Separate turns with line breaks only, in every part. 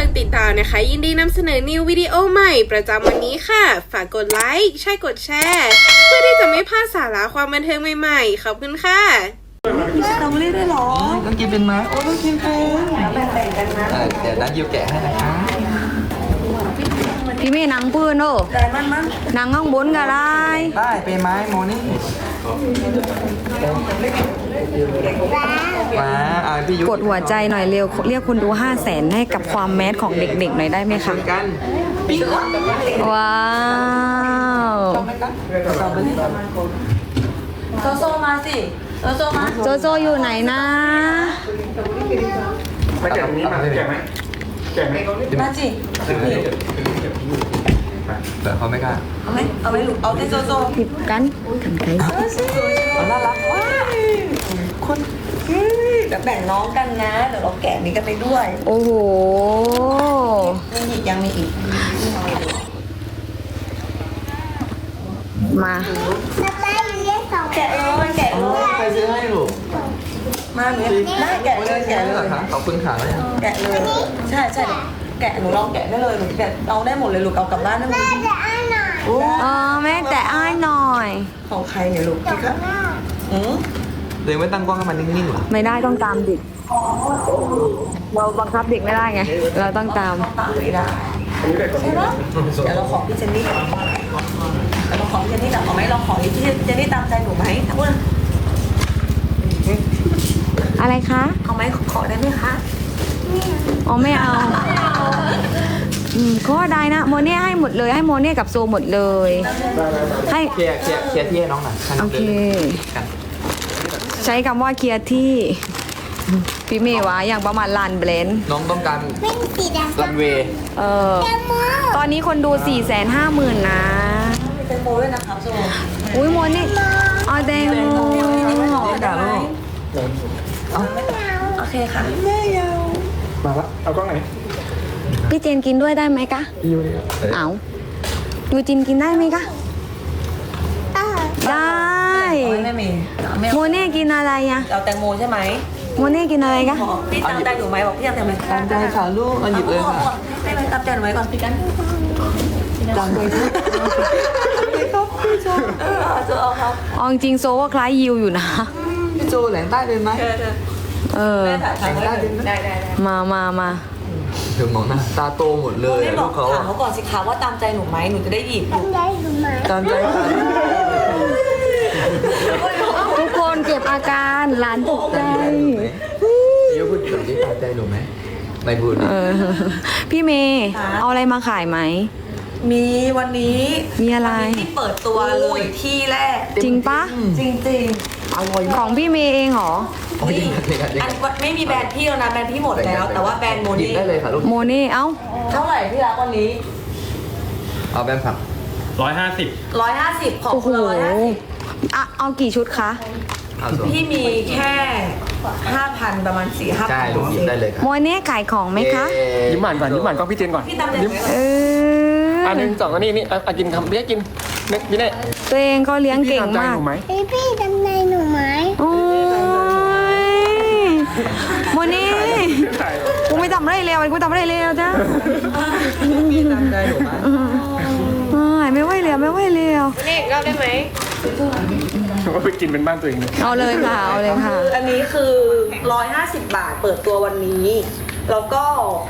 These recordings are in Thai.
ติดตามนะคะยินดีนำเสนอนิววิดีโอใหม่ประจำวันนี้ค่ะฝากกดไลค์ใช่กดแชร์เพื่อที่จะไม่พลาดสาระความบันเทิงใหม่ๆขอบคุณค่ะ
สตรอเบอรี่ด้วยเหรอ
ต้องกินเป็นไหมโอ้ต้องกินเป็น
แบ่งๆกันนะ
เดี๋ยวนะยิวแกะให้นะคะ
พี่เมย์นังปืนโอ้
แต่มัน
นังข้างบนก็ได้
ได้เป็นไหมโมนี่มาพี่ยุ
กดหัวใจหน่อยเร็วเรียกคนดู500,000ให้กับความแมสของเด็กๆหน่อยได้ไหมคะ
กัน
ว้าว
โซโซมาสิโซโซมา
โจโจอยู่ไหนนะ
มาแกะตรงนี้มาแกะไหมแกะไหม
มาสิ
แต่เขาไม่กล้า
เอาไหมลูกเอาที่โซโซ
ผิดกันไกล
น่ารักว้ายคนเดี๋ยวแบ่งน้องกันนะเดี๋ยวเราแกะนี้กันไปด้วย
โอ้โห
มีอีกยังมีอีก
มา
แกะเลยแกะเลย
ใครซื้อให้ลูก
มาเนี่ยได้แกะเลยแกะเลย
ขอบคุณค่ะแล้วยัง
แกะเลยใช่แกะหนูลองแกะได้เลยหนูแกะเอาได้หมดเลยลูกเอากลับบ้านได้หมด
แม่แต่อ้ายหน่อย
ของใครเนี่ยลูกพี่ครับ
เดี๋ยวไม่ตั้งกล้องให้มันนิ่งๆหรอ
ไม่ได้ต้องตามเด็กเราบังคับเด็กไม่ได้ไง เราต้องตาม
ปากไม่ได้ใช่ปะเดี๋ยวเราขอพี่เจนนี่ก่อนเราขอพี่เจนนี่แต่เอาไหมเราขอพี่เจนนี่ตามใจหนูไหมถ้าพูด
อะไรคะ
เอาไหมขอได้ไหมคะ
อ๋อไม่เอาก็ได้นะโมเน่ให้หมดเลยให้โมเน่กับโซหมดเลย ให้
เคลียร์ที่ให้น้องหน่อย
โอเค
กัน
ใช้คำว่าเคลียร์ที่พี่เมย์วะอย่างประมาณลานเบลนด์
น้องต้องการรันเวย์
ตอนนี้คนดู 450,000 นะ
มีแตงโมด้วยนะครับโซ
อุ้ยโมเน่เอาแตงโม
ด่าลูก
โอเคค่ะ
มาละเอากล้องไหน
พี่เจนกินด้วยได้ไหมคะ
พี่ยูนี่
เอายูจินกินได้ไหมคะได้
ไม่มีไม่
โมเน่กินอะไรอะ
เอาแตงโมใช่ไหม
โมเน่กินอะไรคะ
พี่ตามใจหนูไหมบอกพี่ตามใจไหม
ตามใจค่ะลูกเอาหยิบเลยค่ะ
ให้ไปตามใจหนูไหมก่อนพี่กัน
ตามใจลูก
จะเอาเขา
เอาจริงๆโซว่าคล้ายยิวอยู่นะ
พี่โจแหลงใต้เป็นไหม
ถ่ายได้ได้
มา
เดี๋ยวมองหน้าตาโตหมดเลย
ไม่บ
ลู
อก
กเขา
ถามเขาก่อนสิคะว่าตามใจหนูไหมหนูจะได้หยิบ
ตามใจค่ะ
ทุกคนเก็บอาการหลานตกใจ
ยูพูดแบบนี้ตามใจหนูไหมไม่พูด
พี่เมย์เอาอะไรมาขายไหม
มีวันนี้
มีอะไร
ที่เปิดตัวเลยที่แรก
จริงปะ
จริง
ของพี่เมย์เองเหรอ
โอ้ย
ๆ
เด็ก
อันไม่มีแบรนด์พี่แล้วนะแบรนด์พี่หมดแล้วแต่ว่าแบรนด์โม
หยิบ
นี่
ได้เลยค่ะลูก
โมเน่เอ้า
เท่าไหร่พี่รักวันนี้
เอาแบนผัก
150
150ของ
โอ้โห
คุณ150
อ่ะเอากี่ชุดคะ
เอาส่วน
พี่มีแค่ 5,000 ประมาณ 4-5,000
ใช่ลูกหยิบได้เลยค่ะ
โมเน่ขายของไหมคะ
ยิ้มหวานก่อนยิ้มหวานกล้องพี่เจนก่อน
พี่ตามใจไหม
เออ
อันหนึ่งสองอันนี้กินคำเรียกกินพี่เน่
ตัวเองก็เลี้ยงเก่ง
พี่ตามใจ
มาก
หนูไหม
พี่จำในหนูไหม
โอ้ยโมเน่กูไม่ทำอะไรเลวกูทำอะไรเลวจ้ะ
พี่ตามใจหนูไหม
ไม่ไหวแล้วไม่ไหวแล้ว
นี่อีกรอบได้ไหม
หนูก็ไปกินเป็นบ้านตัวเองเลย
เอาเลยค่ะเอาเลยค่ะ
อันนี้คือ 150 บาทเปิดตัววันนี้ แล้วก็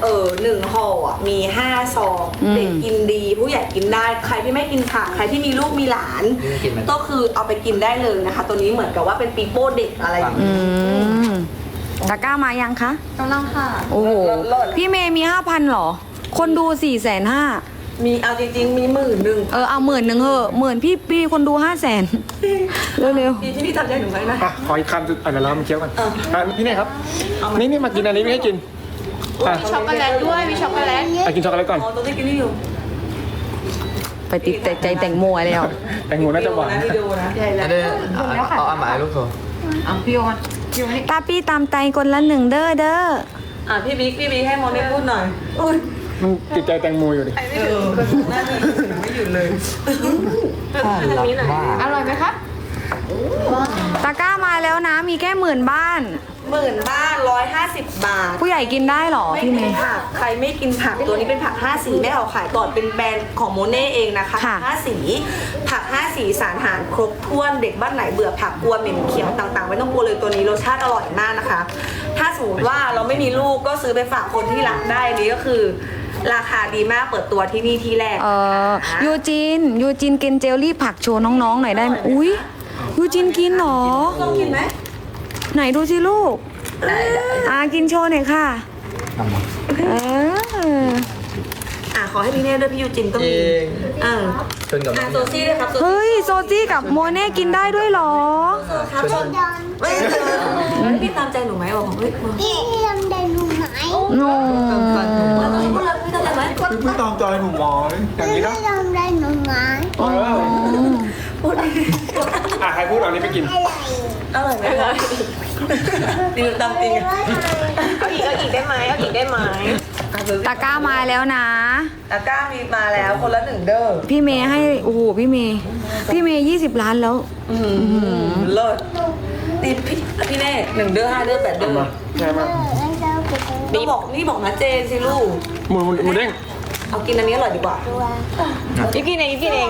1ห่ออ่ะมี 5 ซอง เด็กกินดี ผู้ใหญ่กินได้ ใครที่ไม่กินผัก ใครที่มีลูกมีหลาน ก็คือเอาไปกินได้เลยนะคะ ตัวนี้เหมือนกับว่าเป็นปีโป้เด็กอะไรอย่าง
อื
นี้
มตะกร้ามายังคะ
กำลังค่ะ
โอ้โห พี่เมย์มี 5,000หรอ คนดู 450,000
มีเอาจริงๆมี10,000
เอา10,000เหอะ10,000พี่คนดู500,000เร็ว
พี่ที่พี่ทำใจหนูไหมนะ
อ่ะขออีกคำสุดเดี๋ยวเรามาเคี้ยวกันพี่เน่ครับนี่มากินอันนี้ไม่ให้กิน
ช็อกโกแลตด้วยมีช็อกโกแลต
กินช็อกโกแลตก่อน
อ๋อตัวที่กินนี่อยู่
ๆ ไปติดใจแต่งโมแล้ว
แตงโมน่าจะหวาน
วิดีโอนะ
อันนี้เอาอาหมาลูกโซ
ตาพี่ตามใจคนละ1เด้อ
พี่บิ๊กให้โมนี่พูดหน่อย
มันติดใจแตงโมอยู่ดิ
หน้าที่ไม่หยุดเลย
น่ารักมาก
อร่อยไหมคะ
ตะกร้ามาแล้วนะ มีแค่10,000 บ้าน
10,000 บ้าน150 บาท
ผู้ใหญ่กินได้เหรอ
ไม่
พี่
กิ
เม
น
ย์
ผักใครไม่กินผักตัวนี้เป็นผัก5สีแม่เอาขายก่อนเป็นแบรนด์ของโมเน่เองนะคะ
ค่ะ
5สีผัก5สีสารอาหารครบถ้วนเด็กบ้านไหนเบื่อผักกลัวเหม็นเขียวต่างๆไม่ต้องกลัวเลยตัวนี้รสชาติอร่อยมากนะคะ ถ้าสมมติว่าเราไม่มีลูกก็ซื้อไปฝากคนที่รักได้อันนี้ก็คือ ราคาดีมากเปิดตัวที่นี่ที่แรก
ยูจินกินเจลลี่ผักโชว์น้องๆหน่อยได้ไหมอุ้ยยูจินกินเหรอ
ต้องกินไหม
ไหนดูสิลูกกินโชว์หน่อยค่ะ
ทำมา
เออ
ขอให้พี่เน่ด้วยพี่ยูจินก็มี
ชนกับน้อง
โซซี่ด้วยครับ
เฮ้ยโซจี้กับโมเน่กินได้ด้วยเหรอ
ครับชนพี่ตามใจหนูไหมบอกเฮ้ย
พี่ทำได้รู้ไหม
โน
พี่ตามใจไหม
พี่พูดตามใจหนูหมอยอย่างนี้
พี่
นะ
ทำได้รู้ไหม
ใครพูดเอานี้ไปกิน
อร่อยไหมคะดีตามจริง
เอาอีกได้ไหมเอาอีกได้ไหม
ตะกร้ามาแล้วนะ
ตะกร้ามีมาแล้วคนละ1 เด้อ
พี่เมย์ให้โอ้โหพี่เมย์20 ล้านแล้ว
เลิศตีพี่เน่1 เด้อ5 เด้อ8 เด้อ
ใช่ไหม
นี่บอกนะเจนสิลูก
หมูเด้ง
เอากินอันนี้อร่อยดีกว่า
ยูกินเองยูกินเอง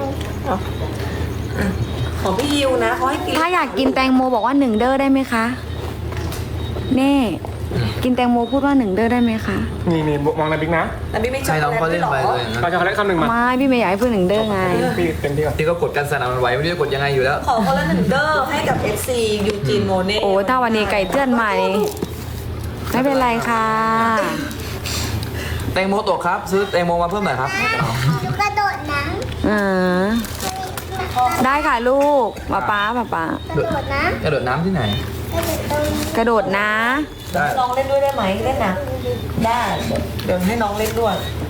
ของพี่ยิวนะเขาให้กิน
ถ้าอยากกินแตงโมบอกว่า1 เด้อได้ไหมคะเน่กินแตงโมพูดว่า1 เด้อได้ไหมคะ
นี่มองในบิ๊กนะ
แต่พี่ไม่ช
ใช่
อบ
น้องเขาเล่นไปเลยนะ
เราจะเขาเล่นคำหนึ่งมา
ไม่พี่เมย์อยากให้พูด1 เด้อไง
พี่เต็มที่ก่อน
ที่ก็กดกันสนั่นมันไหวไม่รู้จะกดยังไงอยู่แล้ว
ขอคนละ1 เด้อให้กับ FC ยูจินโมเน่
โอ้ถ้าวันนี้ไก่เตือนใหม่ไม่เป็นไรค่ะ
แตงโมตกครับ ซื้อแตงโมมาเพิ่มหน่อยครับ
กระโดดน้
ได้ค่ะลูกป๊า
ำกระโดดน้
กระโดดน้ำที่ไหน
ำกระโดดตรง
กระโดดนะ
ได้
น้องเล่นด้วยได้ไหมเล่นนะได้เดี๋ยวให้น้องเล่นด้วย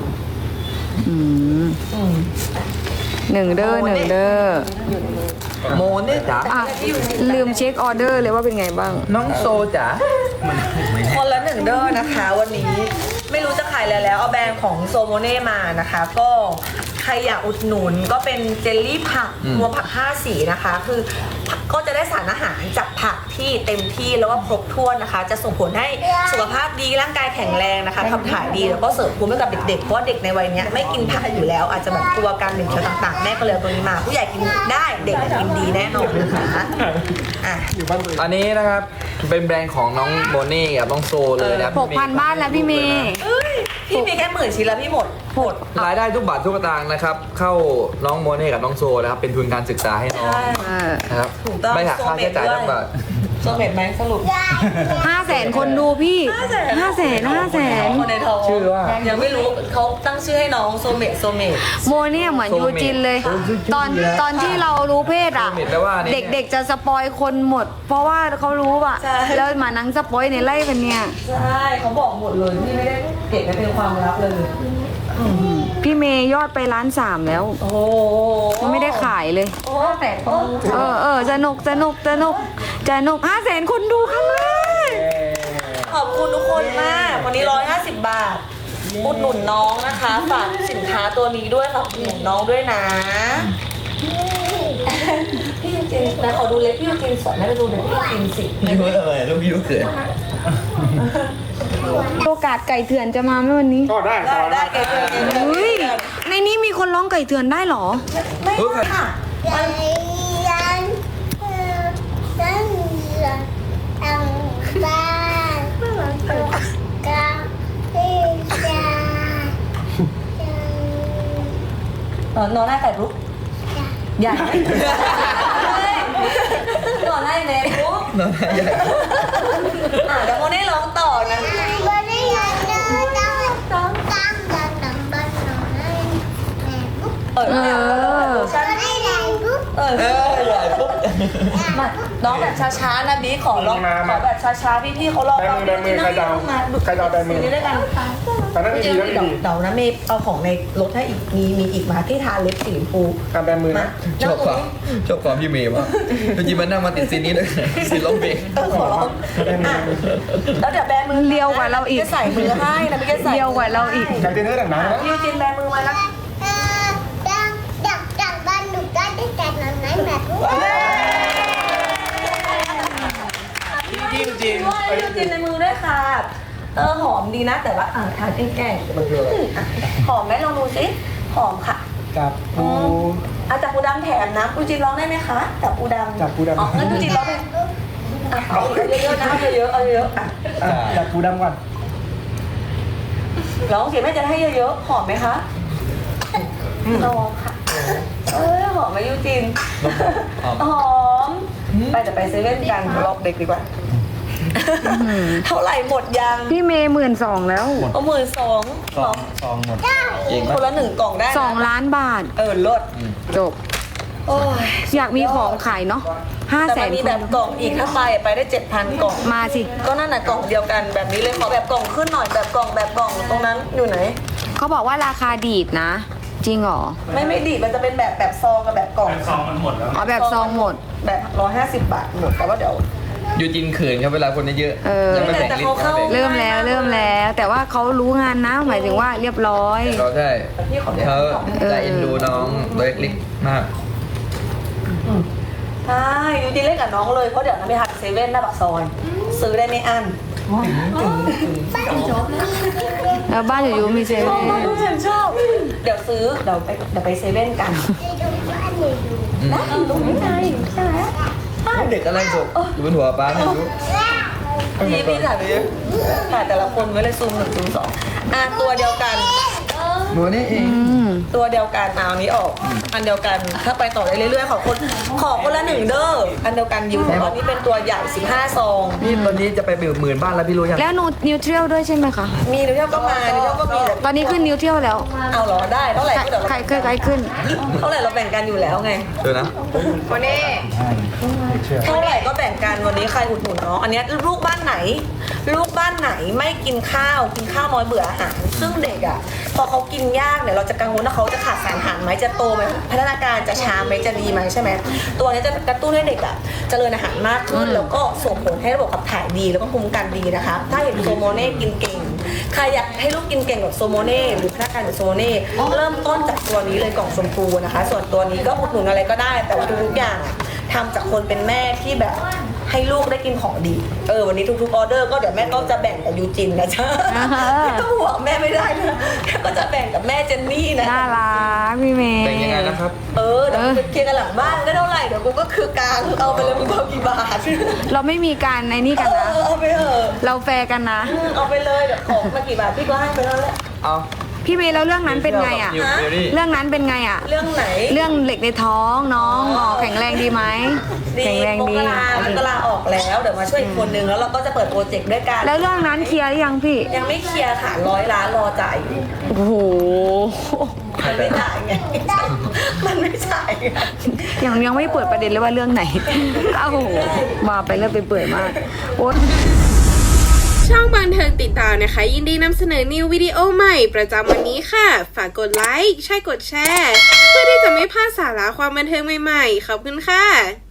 1 เด้อ1 เด้อ
โมเนี่ยจ๋า
ลืมเช็คออเดอร์เลยว่าเป็นไงบ้าง
น้องโซจ๋า
คนละ1 เด้อนะคะ วันนี้ไม่รู้จะขายอะไรแล้วเอาแบรนด์ของโซโมเน่มานะคะ ก็ใครอยากอุดหนุนก็เป็นเจลลี่ผักรวมผัก5 สีนะคะ คือก็จะได้สารอาหารจากผักที่เต็มที่แล้วก็ครบถ้วนนะคะ จะส่งผลให้สุขภาพดีร่างกายแข็งแรงนะคะขับถ่ายดีแล้วก็เสริมภูมิให้กับเด็กๆเพราะว่าเด็กในวัยเนี้ยไม่กินผักอยู่แล้ว อาจจะแบบกลัวการเหม็นเขียวต่างๆแม่ก็เลยเอาตัวนี้มาผู้ใหญ่กินได้เด็กกินดีแน่นอนนะคะ
อยู่บ้านตัวเอง
อันนี้นะครับเป็นแบรนด์ของน้องโมเน่กับน้องโซเลยนะครับ
6,000 บ้านแล้วพี่เมย์
พี่มีแค่10,000 ชิ้นแล้วพี่หมด
รายได้ทุกบาททุกสตางค์นะครับ เข้าน้องโมเน่กับน้องโซนะครับ เป็นทุนการศึกษาให้น้องนะครับ
ถูกต้อง
ไม่หักค่าใช้จ่ายทั้งบาท
โซเม็ดไหมสรุป
500,000 คนดูพี่ 500,000
คนในท้อง
ชื่อว่า
ยังไม่รู้เขาตั้งชื่อให้น้องโซเมต
โมเนี่ยเหมือนยูจินเลย ตอนที่เรารู้เพศอ่ะ
โซเมตแปลว่าเนี่ย
เด็กๆจะสปอยคนหมด เพราะว่าเขารู้อ่ะ แล้วมานั่งสปอยในไล่กันเนี่ย
ใช่เขาบอกหมดเลยพี่ไม่ได้เก็บไว้เป็นความลับเลย
พี่เมย์ยอดไป1,300,000แล้ว
โอ้โห
ยังไม่ได้ขายเลย
โอ้แต่คน
สนุก500,000 คนดูครั้งแรก
ขอบคุณทุกคนมากวันนี้150 บาทอุดหนุนน้องนะคะฝากสินค้าตัวนี้ด้วยฝากอุดหนุนน้องด้วยนะพี่ยูจินนะขอดูเล็บพี่ยูจินสอนให้ไปดูเล็บพี่ยูจินสิ
พี่พูดอะไรลูกพี่ลูกเขิน
โอกาสไก่เถื่อนจะมาไหมวันนี้
ก็ได้
ได้เก็บเลย
เฮ้ย ในนี้มีคนร้องไก่เถื่อนได้เหรอ
ไม่ค่ะ
ใจยันตั้งเรือตั้งบ้านกาที่จะ
นอนได้แต่ลุกใหญ่นอนได้เน็ตลุก
น้องใหญ่
เดี๋ยวโมเน่ร้องต่อนะ
วันนี้ยันเดินต้องตั้งยันตั้งบ้านนอนให้แม่บุ๊ก
ฉัน
ให้แรงบุ๊ก
ใหญ่ปุ๊บ
มาน้องแบบช้าๆนะบีขอร้องขอแบบช้าๆพี่ๆเขาร้อง
แบมือใครจะเอาแบมือ
นี่ด้วยกัน
ตอนนั้นดีแล้วดี
เดี๋ยวนะเมย์เอาของในรถให้อีกมีอีกมาที่ทาเล็บสีชมพู
การแบมือนะ
ชอบความพี่เมย์มากจริงๆมันนั่งมาติดซีนนี้ด้วยซีนร้องเพลง
ขอร้องแล้วเดี๋ยวแบมือ
เลียวกว่าเราอีก
จะใส่มือให้นะพี่จะใส่
เดียวกว่าเราอีก
การเต้นเท่าไหร่นะ
พี่จินแบมือมาแล้ว
จากบ้านหนูก็ได้แต่นอนไหนแม่บุ๊ก
พี่
จิ้มจริง
ด้วยน้ำจิ้มในมือด้วยค่ะหอมดีนะแต่ว่าทานแกล้งหอมไหมลองดูสิหอมค่ะ
จับปู
จับปูดำแถมนะปูจีนร้องได้ไหมคะจับปูดำ
จับปูดำ
อ๋องั้นปูจีนร้องได้เอาเยอะๆนะเอาเยอะเอาเยอะ
จับปูดำก่อน
ร้องเสียงแม่จะให้เยอะๆหอมไหมคะลองค่ะหอมไหมยูจินหอมไปแต่ไปเซเว่นกันรอบเด็กดีกว่าเท่าไหร่หมดยัง
พี่เมย์12,000แล้ว
เอา12,000
ซองหมด
เก่ง
ค
มาก
นละ1 กล่องได้นะ
2 ล้านบาท
ลด
จบ
โอ้ย
อยากมีของขายเนาะ
แต่มันมี
500,000
แบบกล่องอีกถ้าไปได้ 7,000 กล่อง
มาสิ
ก็นั่นน่ะกล่องเดียวกันแบบนี้เลยขอแบบกล่องขึ้นหน่อยแบบกล่องตรงนั้นอยู่ไหน
เขาบอกว่าราคาดีดนะ จริงเหรอ
ไม่ดีมันจะเป็นแบบซองกับแบบกล่อง
อ๋อแบบซองหมด
แบบ150 บาทหมดแต่ว่าเดี๋ยว
ยูจินเขินครับเวลาคนเยอะ
เออ
ยังไม่แบ่งลิ้น
แต่เขาเข้า
เริ่มแล้ว แต่ว่าเขารู้งานนะ หมายถึงว่าเรียบร้อย
เราใช่
พี่ขอ
เขาจะเอ็นดูน้องโดยเล็กมาก
ใช่ยูจีเล่นกับน้องเลยเพราะเดี๋ยวน้ำไปหัดเซเว่นหน้าปากซอยซื้อได้ไม่อั้น
แล้วบ้านอยู่ๆมีเซเว่น
ฉันชอบ เดี๋ยวซื้อเดี๋ยวไปเซเว่นกันนะตรงนี้ไงใช่ไหม
เด็กอะไรจบอยู่บนหัวป้าไม่รู้
พี่ถ่ายไปเยอะถ่ายแต่ละคนไว้เลยซูม1 ซูม 2ตัวเดียวกัน
หนูนี่เอง
ตัวเดียวกันเอาอันนี้ออก อันเดียวกันถ้าไปต่อได้เรื่อยๆขอคนละ1 เด้ออันเดียวกันอยู่อันนี้เป็นตัวใหญ่15 ซอง
พี่ตอนนี้จะไปหมื่นบ้านแล้วพี่รู้ยัง
แล้วนิวเทรียลด้วยใช่ไหมคะ
มีนิวเทียลก็มานิวเทียลก็มีแต่
ตอนนี้ขึ้นนิวเทรียลแล้ว
เอาเหรอได้เท่าไหร่ก็เดี๋ยว
ใครขึ้น
เท่าไหร่เราแบ่งกันอยู่แล้วไง
เดี๋ยวนะ
วันนี้
เท่าไหร่ก็แบ่งกันวันนี้ใครอุดหนุนน้องอันเนี้ยลูกบ้านไหนไม่กินข้าวน้อยเบื่ออาหารซึ่งเด็กอ่ะพอเขากินยากเนี่ยเราจะกังวลว่าเขาจะขาดสารอาหารไหมจะโตไหมพัฒนาการจะช้าไหมจะดีไหมใช่ไหมตัวนี้จะกระตุ้นให้เด็กอ่ะเจริญอาหารมากขึ้นแล้วก็ส่งผลให้ระบบขับถ่ายดีแล้วก็ภูมิคุ้มกันดีนะคะถ้าเห็นโซโมเน่กินเก่งใครอยากให้ลูกกินเก่งแบบโซโมเน่หรือพัฒนาการแบบโซโมเน่เริ่มต้นจากตัวนี้เลยกล่องชมพูนะคะ ส่วนตัวนี้ก็อุดหนุนอะไรก็ได้แต่ว่าทุกๆอย่างทำจากคนเป็นแม่ที่แบบให้ลูกได้กินของดีวันนี้ทุกๆออเดอร์ก็เดี๋ยวแม่ก็จะแบ่งกับยูจินนะจ๊ะไม่ต้องห่วงแม่ไม่ได้นะแม่ก็จะแบ่งกับแม่เจนนี่นะ
น่ารักพี่เมย์
แต่งยังไงนะครับ
เดี๋ยวไปเคลียร์กันหลังบ้านก็เท่าไหร่เดี๋ยวกูก็คือกลางเอาไปเลยมึงเอากี่บาท
เราไม่มีการในนี่กันนะ
เอาไปเถอะ
เราแฟร์กันนะ
เอาไปเลยเดี๋ยวของมากี่บาทพี่ก็ให้ไปแล้วแหละ
เอา
พี่เมย์แล้วเรื่องนั้นเป็นไงอ่ะ
นิวนี่
เรื่องนั้นเป็นไงอ่ะ
เรื่องไหน
เรื่องเหล็กในท้องน้องแข็งแรงดีไหมแข็งแรง
ม
ดี
กราออกแล้วเดี๋ยวมาช่วยอีกคนนึงแล้วเราก็จะเปิดโปรเจกต์ด้วยกัน
แล้วเรื่องนั้นเคลียร์หรือยังพี่
ยังไม่เคลียร์ค่ะ100 ล้านรอจ่ายอยู่
โอ้โห
มันไม่จ่ายไงมันไม่จ่ายไง
ยังไม่เปิดประเด็นเลยว่าเรื่องไหนโอ้โหมาไปเรื่อยไปเปื่อยมากโอ๊ย
ช่องบันเทิงติดตามนะคะ ยินดีนำเสนอนิววิดีโอใหม่ประจำวันนี้ค่ะ ฝากกดไลค์ใช่กดแชร์ เพื่อที่จะไม่พลาดสาระความบันเทิงใหม่ๆ ขอบคุณค่ะ